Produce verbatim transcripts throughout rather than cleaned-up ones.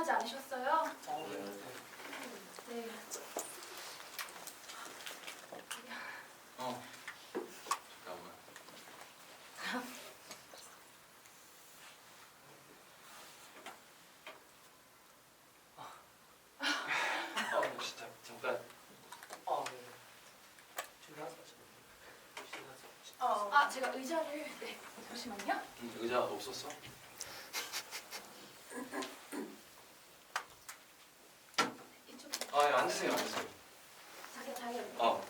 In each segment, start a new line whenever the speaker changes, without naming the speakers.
불편하지 않으셨어요?
어, 네.
네.
어. 잠깐만. 어, 혹시 잠, 잠깐.
아, 네. 준비하세요.
어, 아, 제가 의자를 네, 잠시만요.
음, 의자 없었어?
이쪽.
아, 예, 앉으세요, 앉으세요.
자기가 자기가.
어.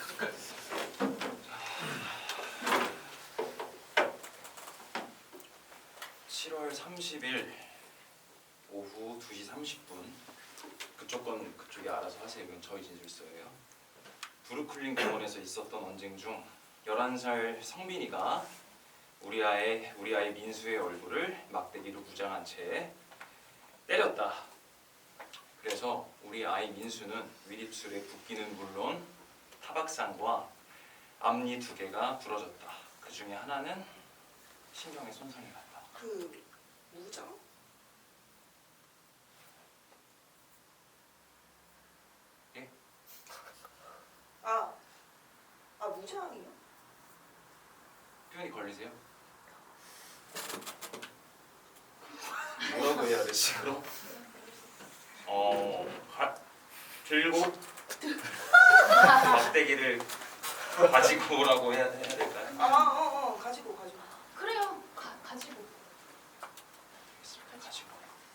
칠월 삼십일 오후 두 시 삼십 분. 그쪽 건 그쪽이 알아서 하세요. 이건 저희 진술서예요. 브루클린 공원에서 있었던 언쟁 중 열한 살 성빈이가 우리 아이 우리 아이 민수의 얼굴을 막대기로 무장한 채 때렸다. 그래서 우리 아이 민수는 윗입술에 붓기는 물론 타박상과 앞니 두 개가 부러졌다. 그 중에 하나는 신경에 손상이 갔다.
그 무장?
예?
아, 아 무장이요?
표현이 걸리세요? 뭐라고 해야 되지 그럼? 어, 가, 들고 막대기를 가지고 오라고 해야, 해야 될까요?
아, 어, 어, 가지고 가지고.
그래요. 가, 가지고.
알겠습니다. 가지고.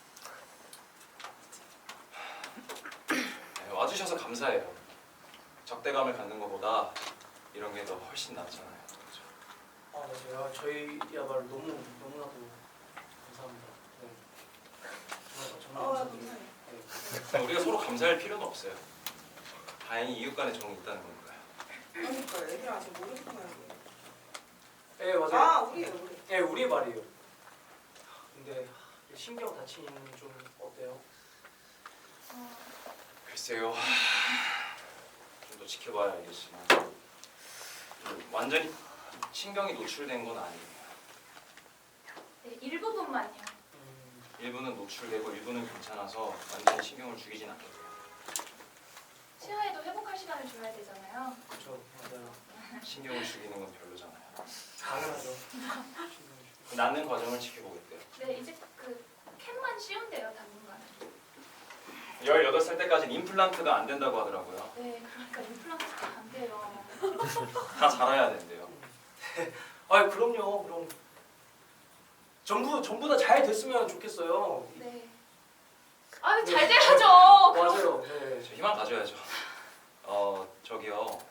네, 와주셔서 감사해요. 적대감을 갖는 것보다 이런 게 더 훨씬 낫잖아요. 그렇죠?
아, 맞아요. 저희야말로 너무 너무나도 감사합니다. 네. 정말 정말
아,
감사합니다.
미안해.
네.
우리가 서로 감사할 필요는 없어요. 다행히 이웃 간에 정이 있다는 거니까요.
그러니까 애들 아직 모르겠구나 이게.
네, 맞아요.
아, 우리예요, 우리.
네, 우리의 말이에요. 근데 신경 다치는 좀 어때요?
어,
글쎄요. 좀 더 지켜봐야 알겠지만 좀 완전히 신경이 노출된 건 아니에요.
네, 일부분만요.
음,
일부는 노출되고 일부는 괜찮아서 완전히 신경을 죽이진 않겠고요.
치아에도 회복할 시간을 줘야 되잖아요.
그렇죠. 맞아요.
신경을 죽이는 건 별로잖아요.
당연하죠.
그 낫는 과정을 지켜보겠대요.
네, 이제 그 캔만 씌운대요, 당분간.
열여덟 살 때까지는 임플란트가 안 된다고 하더라고요.
네, 그러니까 임플란트가 안 돼요.
다 자라야 된대요.
아, 그럼요. 그럼 전부 전부 다 잘 됐으면 좋겠어요.
네. 아유,
네.
잘 돼야죠. 그럼.
맞아요. 네.
저 희망 가져야죠. 어, 저기요.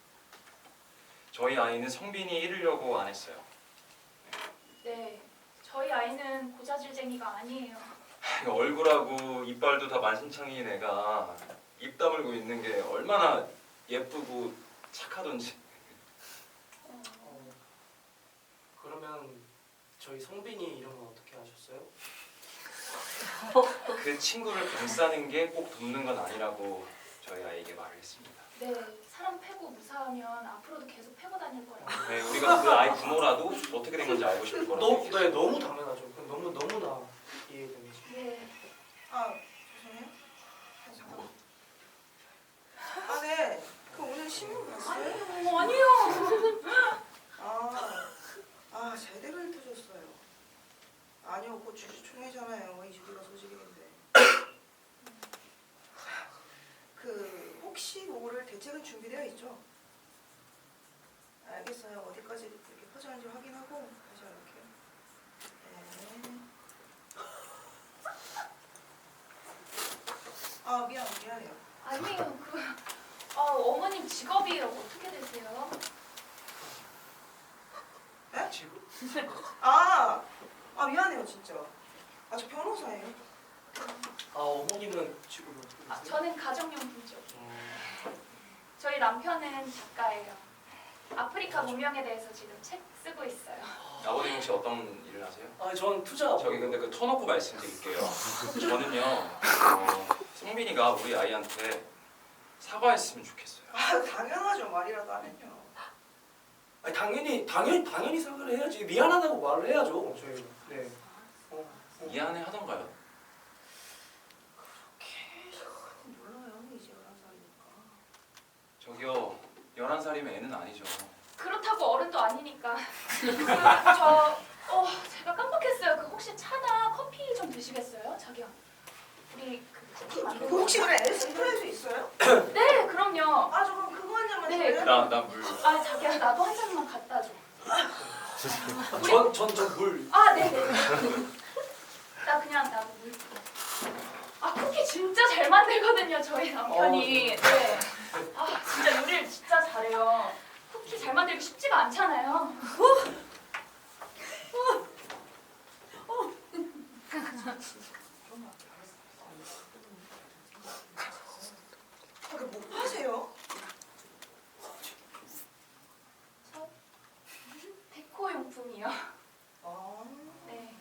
저희 아이는 성빈이 잃으려고 안 했어요.
네, 저희 아이는 고자질쟁이가 아니에요.
얼굴하고 이빨도 다 만신창이인 애가 입 다물고 있는 게 얼마나 예쁘고 착하던지.
어, 그러면 저희 성빈이 이런 건 어떻게 하셨어요?
그 친구를 감싸는 게 꼭 돕는 건 아니라고 저희 아이에게 말을 했습니다.
네, 사람 패고 무사하면 앞으로도 계속 패고 다닐 거라고.
네, 우리가 그 아이 부모라도 어떻게 된 건지 알고 싶을 거라고
너무
얘기했어요.
네 너무 당연하죠. 그건 너무 너무나 이해됩니다.
네,
아, 죄송해요. 아, 잠깐만. 아, 네. 그 오늘 신문 봤어요?
어, 아니요.
아, 아, 제대로 훑어줬어요. 아니요, 곧 주주총회잖아요. 이 주기가 소식인데. 그 혹시 오늘 대책은 준비되어 있죠? 알겠어요. 어디까지 이렇게 퍼져는지 확인하고 다시 연락해요. 네. 아, 미안, 미안해요.
아니에요. 그 아, 어머님 직업이 어떻게 되세요?
네?
지금
아, 아 미안해요, 진짜. 아, 저 변호사예요.
아, 어머님은 지금 어떻게
아,
되세요?
저는 가정용품죠.
음,
저희 남편은 작가예요. 아프리카 문명에 대해서 지금 책 쓰고 있어요.
아버님 혹시 어떤 일을 하세요?
아, 전 투자.
저기 근데 그 터놓고 말씀드릴게요. 저는요, 어, 성빈이가 우리 아이한테 사과했으면 좋겠어요.
아, 당연하죠. 말이라도 하면요.
아니, 당연히 당연히 당연히 사과를 해야지. 미안하다고 말을 해야죠. 저희. 네. 어, 어.
미안해 하던가요? 살이면 애는 아니죠.
그렇다고 어른도 아니니까. 그, 저, 어, 제가 깜빡했어요. 그 혹시 차나 커피 좀 드시겠어요? 자기야. 우리 그 쿠키 만들고.
그 혹시 그래 에스프레소 있어요?
네, 그럼요.
아 저 그럼 그거 한 잔만
네,
줘요?
나 나 물.
아, 자기야, 나도 한 잔만 갖다 줘.
전전저물
아, 네네. 나 그냥 나도 물. 아, 쿠키 진짜 잘 만들거든요, 저희 남편이. 네. 아, 진짜 요리를 진짜 잘해요. 쿠키 잘 만들기 쉽지가 않잖아요.
아, 그뭐 하세요?
저 데코 용품이요.
아
네.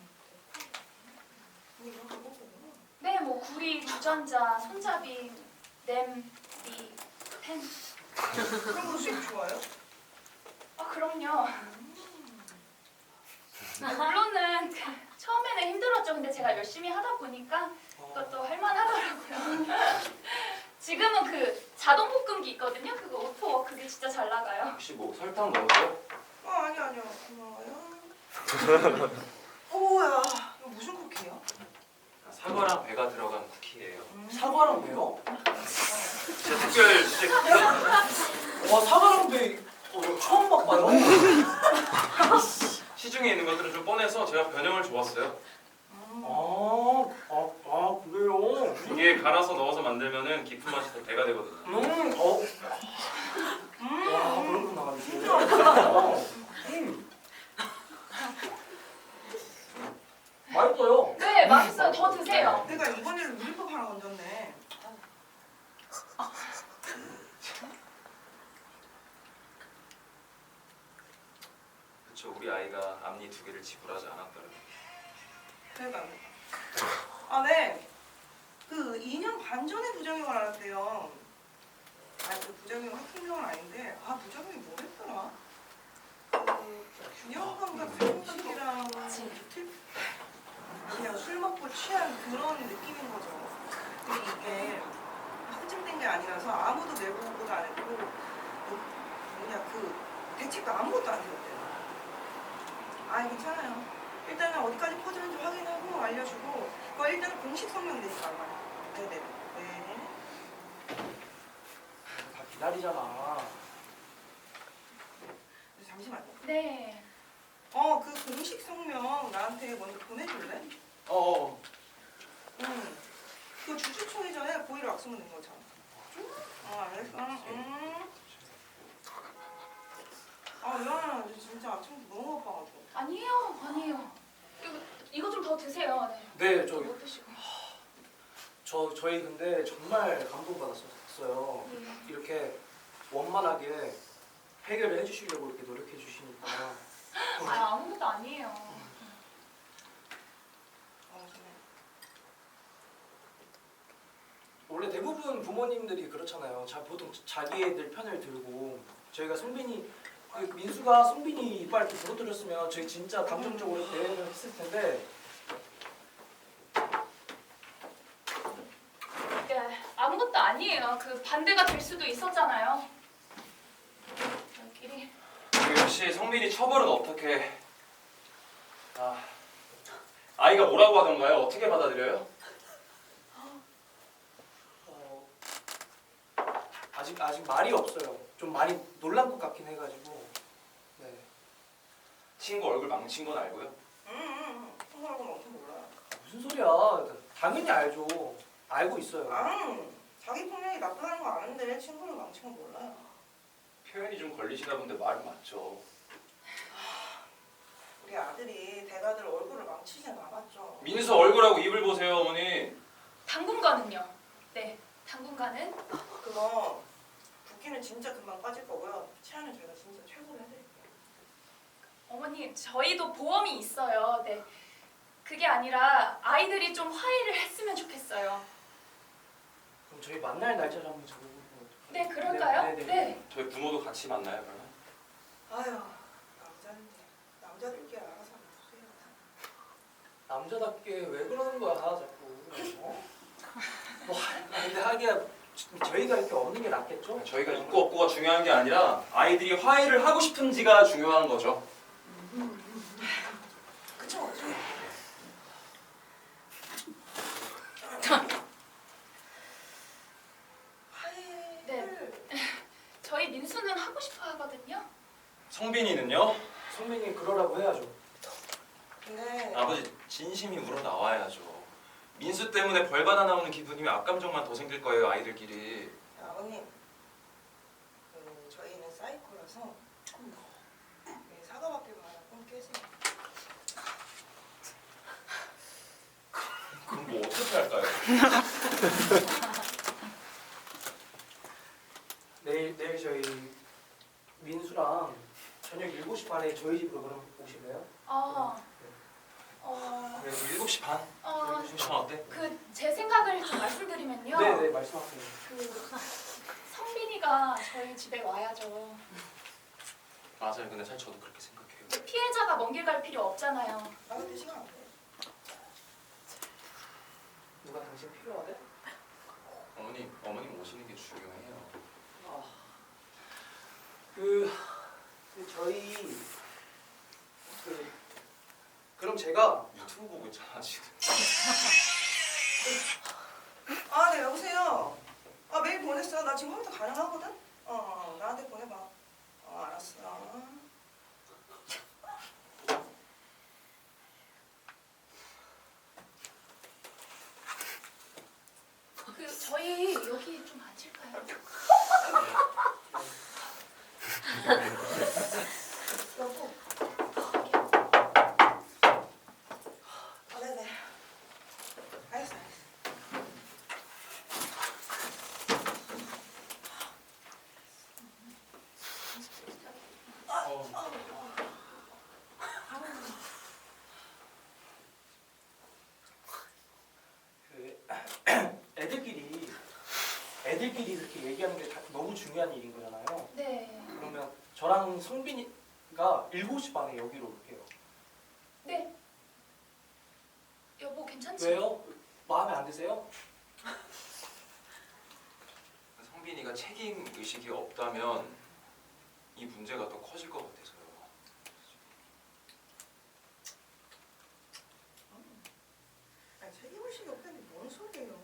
뭐 이런 거 보구나.
네, 뭐 구리, 주전자, 손잡이, 냄비, 펜.
그런 거 수입 좋아요?
아, 그럼요. 아, 물론은 그 처음에는 힘들었죠. 근데 제가 열심히 하다 보니까 그것도 할만하더라고요. 지금은 그 자동 볶음기 있거든요. 그거 오토 그게 진짜 잘 나가요.
혹시 뭐 설탕 넣었어요?
아 아니 아니요 고마워요. 오야 이거 무슨 쿠키야?
사과랑 배가 들어간 쿠키예요.
음.
사과랑 배요?
진짜 특별 진짜
와 사과랑 배 어, 처음 봐봐요.
시중에 있는 것들은 좀 뻔해서 제가 변형을 줘봤어요.
음.
아, 아, 아 그래요?
이게 갈아서 넣어서 만들면은 깊은 맛이 더 배가 되거든요.
음, 어,
음.
와 그렇구나.
진짜
어, 음. 맛있어요.
네, 맛있어요. 더 드세요.
내가 이번에는 누리법 하나 건졌네.
그쵸, 우리 아이가 앞니 두 개를 지불하지 않았더라고요.
그러니까 아 네. 그 이 년 반 전에 부작용을 알았대요. 아그 부작용 확진병은 아닌데 아 부작용이 뭐랬더라? 그 균형 감각 생각이랑 뷰티 그냥 술 먹고 취한 그런 느낌인 거죠. 근데 이게 확진된 게 아니라서 아무도 내부 보고도 안 했고 뭐, 뭐냐 그 대책도 아무것도 안 해줬대요. 아 괜찮아요. 일단은 어디까지 퍼지는지 확인하고 알려주고 그거 일단은 공식 성명 내니까 알아요. 네네. 네.
다 기다리잖아.
잠시만요.
네.
어 그 공식 성명 나한테 먼저 보내줄래?
어,
응. 그 주주총회 전에 고의로 악수문 낸 거잖아. 어 알겠어. 응. 아 미안해. 진짜 아침부터 너무 바빠가지고.
아니에요, 아니에요. 이거 이거 좀 더 드세요. 네.
네, 저,
못 드시고.
저 저희 근데 정말 감동받았었어요.
네.
이렇게 원만하게 해결을 해주시려고 이렇게 노력해 주시니까.
아, 아무것도 아니에요.
아 정말.
원래 대부분 부모님들이 그렇잖아요. 자, 보통 자기 애들 편을 들고 저희가 송빈이 그 민수가 송빈이 이빨 이렇게 부러뜨렸으면 저희 진짜 감정적으로 대응을 했을 텐데
네, 아무것도 아니에요. 그 반대가 될 수도 있었잖아요. 저희끼리.
그 역시 성빈이 처벌은 어떻게? 아, 아이가 뭐라고 하던가요? 어떻게 받아들여요?
어, 아직 아직 말이 없어요. 좀 많이 놀란 것 같긴 해가지고. 네.
친구 얼굴 망친 건 알고요?
응응응. 통화하고는 엄청 몰라요.
무슨 소리야? 당연히 알죠. 알고 있어요.
아 자기 폭력이 나쁘다는 거 아는데 친구를 망친 건 몰라요.
표현이 좀 걸리시나 본데 말은 맞죠.
우리 아들이 대가들 얼굴을 망치진 않았죠.
민수 얼굴하고 입을 보세요, 어머니.
당분간은요. 네, 당분간은.
그거 붓기는 진짜 금방 빠질 거고요. 치아는 저희가 진짜 최고로 해드릴게요.
어머님, 저희도 보험이 있어요. 네. 그게 아니라 아이들이 좀 화해를 했으면 좋겠어요.
그럼 저희 만날 날짜를 한번 잡아보면 어떨까요?
네, 그럴까요?
네, 네, 네.
네.
저희 부모도 같이 만나요, 그러면?
아유 남자인데 남자들끼리 알아서 해주세요.
남자답게 왜 그러는 거야 자꾸. 어? 뭐 근데 하기야 저희가 이렇게 없는 게 낫겠죠?
저희가 있고 없고가 중요한 게 아니라 아이들이 화해를 하고 싶은지가 중요한 거죠.
그쵸? 화해를
저희 민수는 하고 싶어 하거든요.
성빈이는요?
선배님 그러라고 해야죠.
근데
아버지 진심이 우러 나와야죠. 민수 때문에 벌 받아 나오는 기분이면 악감정만 더 생길 거예요, 아이들끼리.
아버님, 그 저희는 사이코라서 이 사과받기로 하나 꼭 깨세요.
그럼 뭐 어떻게 할까요?
내일 내일 저희 민수랑 저녁 일곱 시 반에 저희 집으로 그럼 오실래요?
어, 어,
그래, 일곱 시 반?
어,
일곱 시 반 어때?
그 제 생각을 좀 말씀드리면요.
네네 말씀하세요.
그 성빈이가 저희 집에 와야죠.
맞아요. 근데 사실 저도 그렇게 생각해요.
피해자가 먼 길 갈 필요 없잖아요.
나 근데 시간 안 돼.
누가 당신 필요하대?
어머니, 어머님 오시는 게 중요해요.
아, 그, 그 저희 그 그럼 제가
유튜브 보고 있잖아 지금.
아, 네, 여보세요. 아, 메일 보냈어. 나 지금 컴퓨터 가능하거든? 어, 어, 나한테 보내봐. 어, 알았어.
그 저희 여기 좀 앉을까요? 여보.
아, 네네. 알겠어, 알겠어.
어.
그 애들끼리 애들끼리 이렇게 얘기하는 게 다- 너무 중요한 일인 거잖아요.
네.
그러면 저랑 성빈이가 일곱 시 반에 여기로 올게요.
네. 여보 괜찮지?
왜요? 마음에 안 드세요?
성빈이가 책임 의식이 없다면 이 문제가 더 커질 것 같아서요.
아니, 책임의식이 없다니 뭔 소리예요.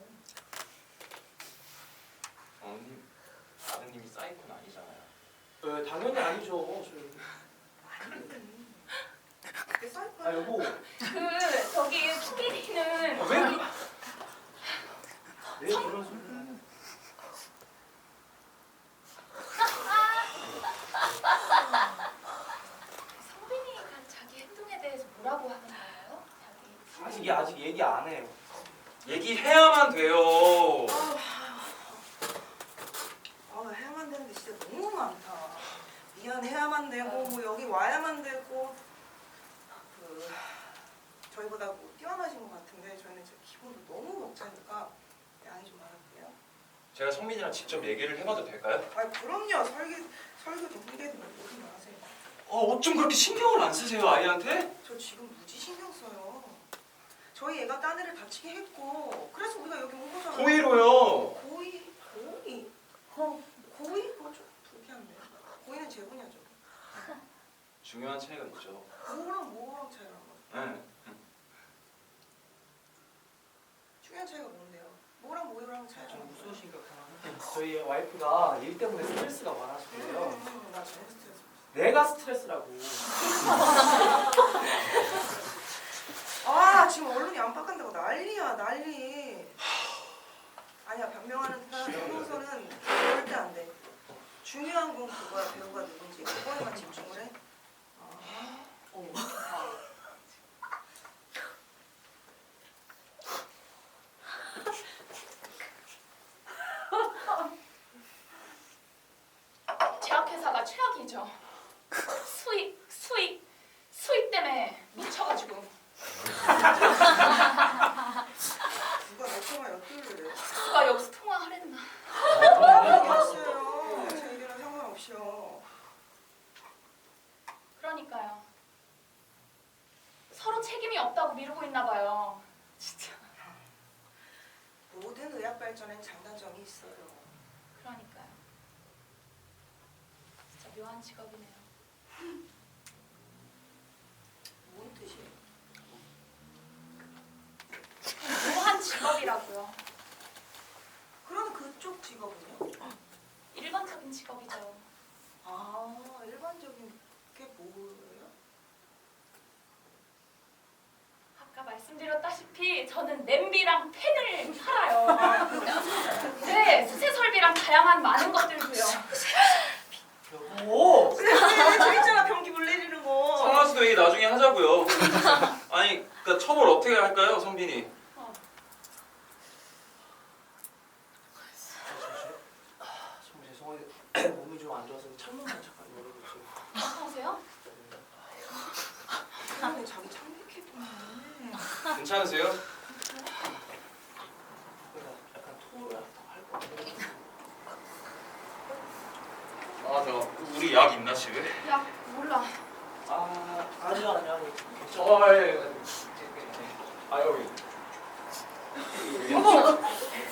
어머님, 아드님이 사이코는 아니잖아요.
네, 당연히 아니죠. 저희.
내 사이코
아 여보,
그 저기 수빈이는
아, 왜? 그- 왜 그런 소리?
성빈이가 자기 행동에 대해서 뭐라고 하는 거예요? 자기
아직 아직 얘기 안 해요.
얘기해야만 돼요.
아, 해야만 되는 게 진짜 너무 많다. 미안해야만 되고, 뭐 여기 와야만 되고. 그 저희보다 뭐 뛰어나신 것 같은데 저희는 진짜 기본도 너무 벅차니까 양이 좀 많을게요.
제가 성빈이랑 직접 얘기를 해봐도 될까요?
아, 그럼요. 설계 설계도 훈계도 무슨 말 하세요.
어, 어쩜 그렇게 신경을 안 쓰세요, 아이한테?
저 지금 무지 신경 써요. 저희 애가 딴 애를 다치게 했고, 그래서 우리가 여기 온 거잖아요.
고의로요.
고의? 고의? 어, 고의? 그거 좀 불쾌한데. 고의는 제 분야죠.
중요한 차이가 있죠.
뭐랑 뭐랑 차이가 나?
네.
중요한 차이가 뭔데요? 뭐랑 뭐랑 차이가
좀
나는 거예요?
무서우시니까 그만. 저희 와이프가 일 때문에 스트레스가 많아서요.
음, 나 제일 스트레스.
내가 스트레스라고.
아, 지금 언론이 안팎한다고 난리야, 난리. 아니야, 변명하는 변호사는 절대 안 돼. 중요한 건 그거야, 배우가 누군지. 그거에만 집중을 해. 아, 어.
제약회사가 최악이죠. 수익, 수익, 수익 때문에 미쳐가지고.
누가 내 통화 엿들래?
누가 여기서 통화하랬나.
알겠어요. 제 의견은 상관없이요.
그러니까요. 서로 책임이 없다고 미루고 있나 봐요. 진짜.
모든 의학 발전엔 장단점이 있어요.
그러니까요. 진짜 묘한 직업이네요.
뭔 뜻이에요?
묘한 직업이라고요.
그러면 그쪽 직업은요?
일반적인 직업이죠.
아, 일반적인 게 뭐예요?
아까 말씀드렸다시피 저는 냄비랑 팬을 팔아요. 네, 수세 설비랑 다양한 많은 것들도요.
여보.
그래, 그래, 재밌잖아, 변기 물 내리는 거.
상하 씨도 얘기 나중에 하자고요. 아니, 그러니까 처벌 어떻게 할까요, 성빈이?
어.
아, 정말 죄송해요. 몸이 좀 안 좋아서 창문만 잠깐 열어주세요.
괜찮으세요?
그러네, 자기 창백했구나.
괜찮으세요?
내가 약간 토를 할것 같아요.
아, 저 우리 약 있나 집에?
야, 몰라.
아, 아니요, 아니요, 아니요. 괜찮아요.
어, 예, 예. 아, 여기. 여기.
어머!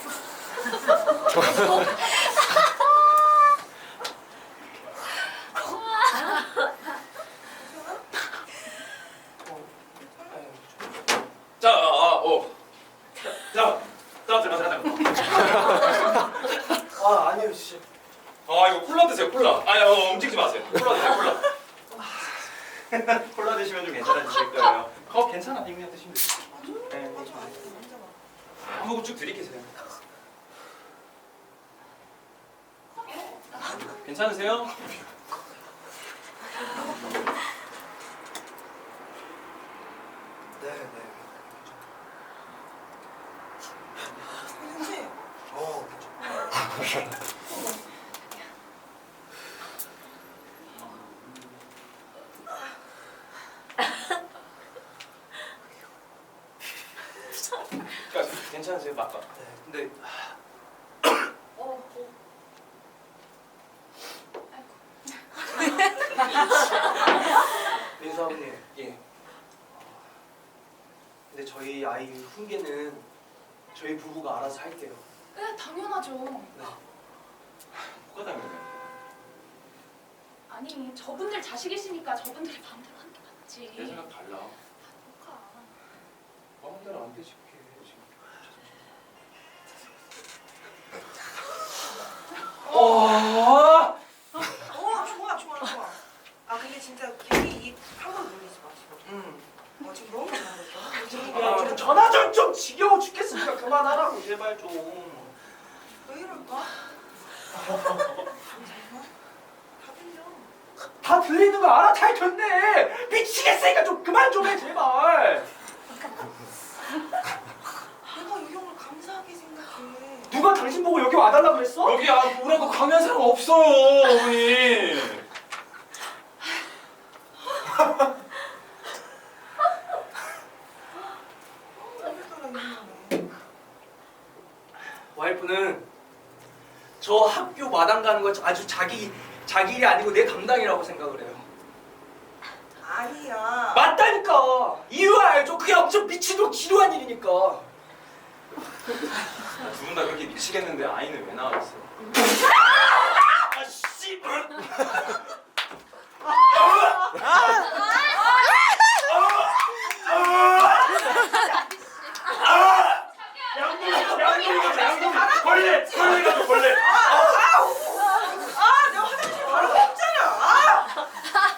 어, 아유,
자, 아, 아, 어. 자, 자, 들어, 들어,
좀- 아, 아니요, 진짜.
아, 이거 콜라 드세요, 콜라. 아, 어, 움직이지 마세요. 콜라 드세요, 콜라. 콜라 드시면 좀 괜찮아지실 거예요. 컵 괜찮아, 빅면 드시면 돼요. 네.
맞아, 맞아, 맞아.
한 모금 쭉 들이키세요. 괜찮으세요?
네, 네.
괜찮지?
어,
그러니까 괜찮으세요, 맞다.
네. 근데
어, 어.
민수 아버님,
예.
근데 저희 아이 훈계는 저희 부부가 알아서 할게요.
네, 당연하죠.
네.
뭐가 당연해요?
아니, 저분들 자식이시니까 저분들이 마음대로 하는 게 맞지.
내 생각 달라.
뭐가.
마음대로 안 되지, 그게 지금.
어.
어, 좋아, 좋아, 좋아. 아, 근데 진짜 괜히 이 한번 놀리지 마시고.
음.
어, 지금 너무 잘하셨어.
야, 좀 전화 좀, 좀 지겨워 죽겠으니까 그만하라고 제발 좀.
왜 이럴까? 정말? 다 들려.
다 들리는 거 알아? 잘 됐네. 미치겠으니까 좀 그만 좀 해 제발.
내가 이 형을 감사하게 생각해.
누가 당신 보고 여기 와달라 그랬어?
여기 아, 뭐라고 강요한 사람 없어요, 어머니.
오늘따라 이러네.
와이프는 저 학교 마당 가는 거 아주 자기 자기 일이 아니고 내 담당이라고 생각을 해요.
아니야.
맞다니까. 이유 알죠? 그게 엄청 미치도록 지루한 일이니까.
두 분 다 그렇게 미치겠는데 아이는 왜 나왔어?
아 씨. 양동이 양동이 가자 양동이 벌레 벌레 가자 벌레.
아, 내가 화장실 바로 갔잖아. 아!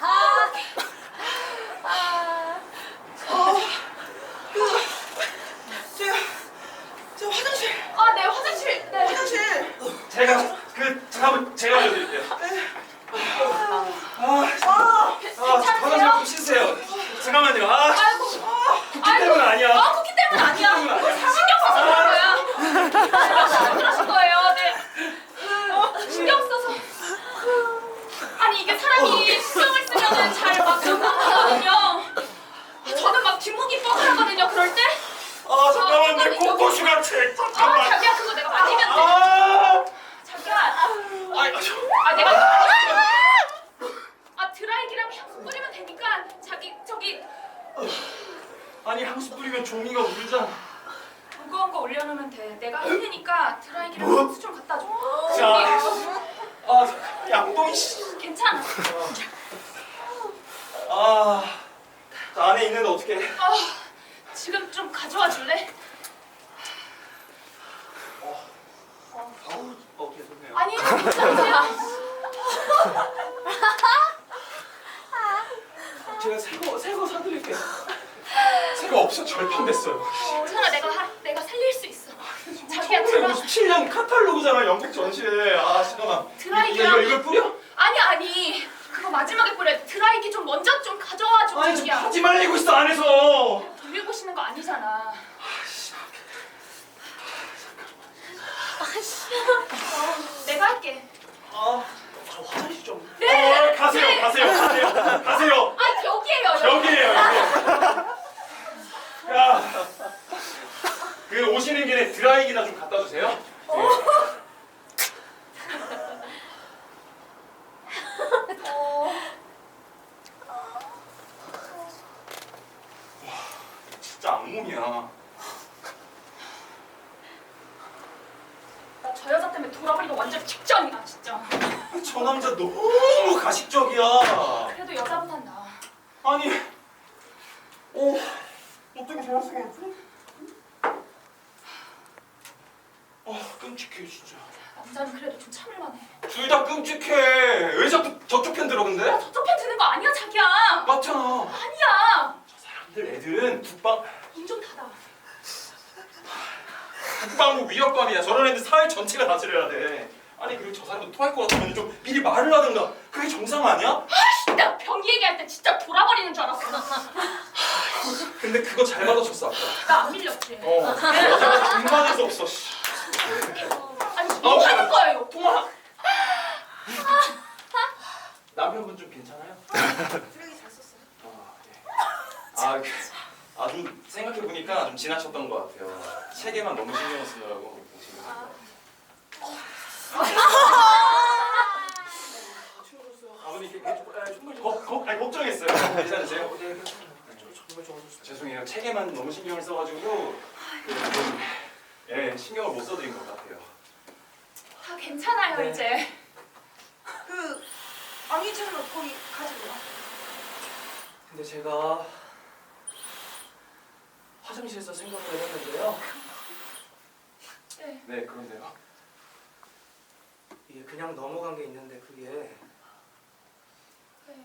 어, 그, 제가, 저 화장실,
아, 네, 화장실. 네.
화장실.
제가 그 잠깐만 제가 알려드릴게요. 아,
아,
아, 화장실 좀 쉬세요. 잠깐만요. 아,
아이고.
쿠키 때문 아니야.
아, 쿠키 때문 아니야.
때문 아니야.
신경 써서 그런 거야. 안 그러신 거예요. 네. 그, 신경 써서. 아니, 이게 사람이 신경을 쓰면은 잘 막 적응하거든요. 저는 막 뒷목이 뻐근하거든요. 그럴 때.
아, 잠깐만 내
잠깐만요.
코코슈가 책
아,
잠깐만.
자기야, 그거 내가 맞으면 돼.
아,
자기야.
아이, 저,
제가 새거 새거 사드릴게요.
새가 없어 절판됐어요.
괜찮아, 내가 하, 내가 살릴 수 있어. 자기야, 드라,
천구백오십칠 년 카탈로그잖아, 영국 전시회. 아 잠깐만.
드라이기랑-
이걸 이걸 뿌려?
아니 아니, 그거 마지막에 뿌려. 드라이기 좀 먼저 좀 가져와 줘.
아니 좀
자기야.
하지 말리고 있어 안에서.
돌리고 싶는 거 아니잖아. 어, 내가 할게.
아, 저 화장실 좀.
네.
어, 가세요,
네.
가세요, 가세요, 가세요.
아, 여기에요. 여기.
여기에요, 여기. 야, 그 오시는 길에 드라이기나 좀 갖다 주세요. 네.
어,
진짜 악몽이야.
나 저 여자 때문에 돌아버리고 완전 직전이야, 진짜.
저 남자 너무 가식적이야.
그래도 여자보단 나아.
아니, 어, 어떻게 저럴 수가 있지? 아, 끔찍해 진짜.
남자는 그래도 좀 참을만해.
둘 다 끔찍해. 왜 자꾸 저쪽 편 들어 근데?
야, 저쪽 편 드는 거 아니야, 자기야.
맞잖아.
아니야.
저 사람들 애들은 국방
눈 좀 닫아.
국방부 위협감이야. 저런 애들 사회 전체가 다 지려야 돼. 아니 그리고 저 사람도 토할 것 같으면 좀 미리 말을 하든가. 그게 정상 아니야?
아이씨, 나 변기 얘기할 때 진짜 돌아버리는 줄 알았어.
근데 그거 잘 받아줬어 아까.
나 안 밀렸지.
어. 여자가 정말 수 없어. 씨.
아니, 뭐
아,
하는 거예요?
통화. 남편분 좀 괜찮아요?
쓰레기 잘 썼어요.
아, 네. 아, 그, 아주 생각해 보니까 좀 지나쳤던 것 같아요. 책에만 너무 신경 쓰느라고. 지금.
추워졌어요.
아버님 이렇게
아, 정말 좀.
걱, 걱, 아니, 걱정했어요. 괜찮으세요?
네, 괜찮아요. 저- 정말 좋아졌어요.
죄송해요. 책에만 너무 신경을 써가지고 좀, 예, 신경을 못 써드린 것 같아요.
다 괜찮아요,
네.
이제.
그 아니잖아 거기 가지고 와.
근데 제가 화장실에서 생각을 했는데요.
네.
네, 그런데요.
이게 그냥 넘어간 게 있는데 그게
네.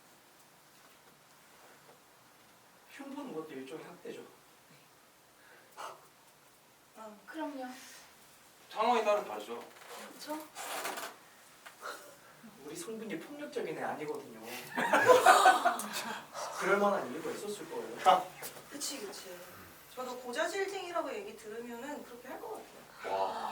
흉보는 것도 일종의 학대죠.
어.
그럼요.
상황에 따라 다르죠.
그렇죠?
우리 성분이 폭력적인 애 아니거든요. 그럴 만한 이유가 있었을 거예요.
그치 그치. 저도 고자질쟁이라고 얘기 들으면은 그렇게 할 것 같아요.
와.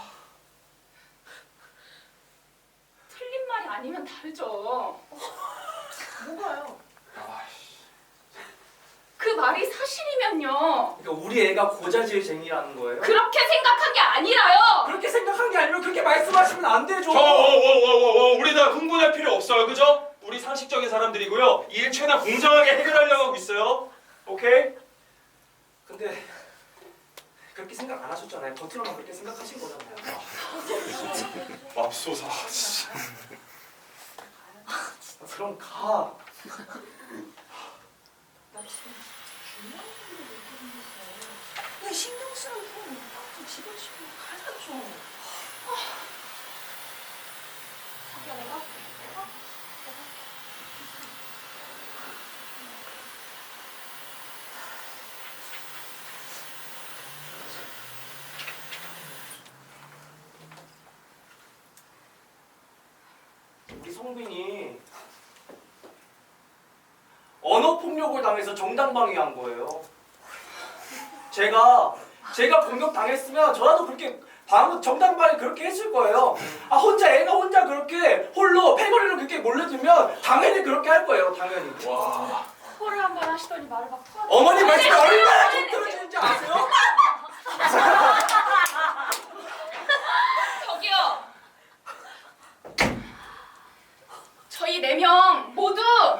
틀린 말이 아니면 다르죠.
뭐가요?
아씨.
그 말이 사실이면요.
그러니까 우리 애가 고자질쟁이라는 거예요.
그렇게 생각한 게 아니라요.
그렇게 생각한 게 아니라 그렇게 말씀하시면 안 되죠.
저워워워워워 우리 다 흥분할 필요 없어요, 그죠? 우리 상식적인 사람들이고요. 이 일 최대한 공정하게 해결하려고 하고 있어요. 오케이?
근데 그렇게 생각 안 하셨잖아요. 겉으로만 그렇게 생각하신 거잖아요.
맙소사. 씨.
아, 그럼 가.
나 지금 중요한 일을 얘기했는데 왜 신경 쓰는 폰 좀 집어치고 가자 좀.
자기야, 내가 할게. 내가?
우리 성빈이 언어 폭력을 당해서 정당방위한 거예요. 제가 제가 공격 당했으면 저라도 그렇게 방 정당방위 그렇게 했을 거예요. 아 혼자 애가 혼자 그렇게 홀로 패거리로 그렇게 몰려들면 당연히 그렇게 할 거예요. 당연히.
와.
코를 한 번 하시더니 말을 막 토하는
어머니 말씀이
아니,
얼마나
아니,
좀 들어주는지 아세요?
저기요. 저희 네 명 모두 다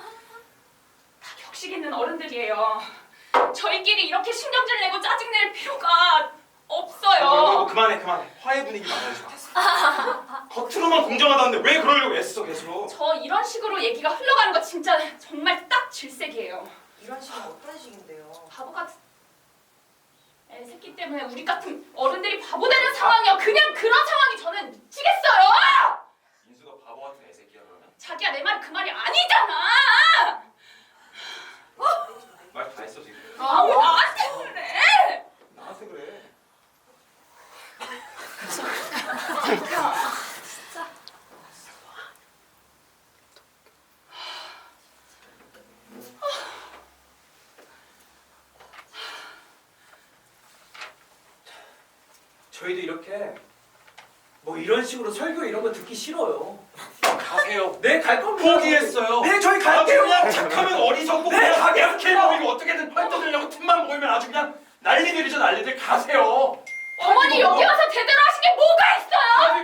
격식 있는 어른들이에요. 저희끼리 이렇게 신경질 내고 짜증낼 필요가
어,
없어요.
그만해, 그만해. 화해 분위기 만들지 마. 겉으로만 공정하다는데 왜 그러려고 애써 계속?
저 이런 식으로 얘기가 흘러가는 거 진짜 정말 딱 질색이에요.
이런 식은 어떤 식인데요?
바보 같은 애 새끼 때문에 우리 같은 어른들이 바보 되는 상황이요. 그냥 그런 상황이 저는 미치겠어요. 그냥 진짜.
저희도 이렇게 뭐 이런 식으로 설교 이런 거 듣기 싫어요.
가세요.
네, 갈 겁니다.
포기했어요.
네, 저희
아주
갈게요.
그냥 착하면 어리석고
네,
그냥
가겠습니다.
이렇게 보이고 어떻게든 펄떠들려고 틈만 보이면 아주 그냥 난리들이죠 난리들. 가세요.
어머니 여기 와서 제대로 하신 게 뭐가 있어요?
아니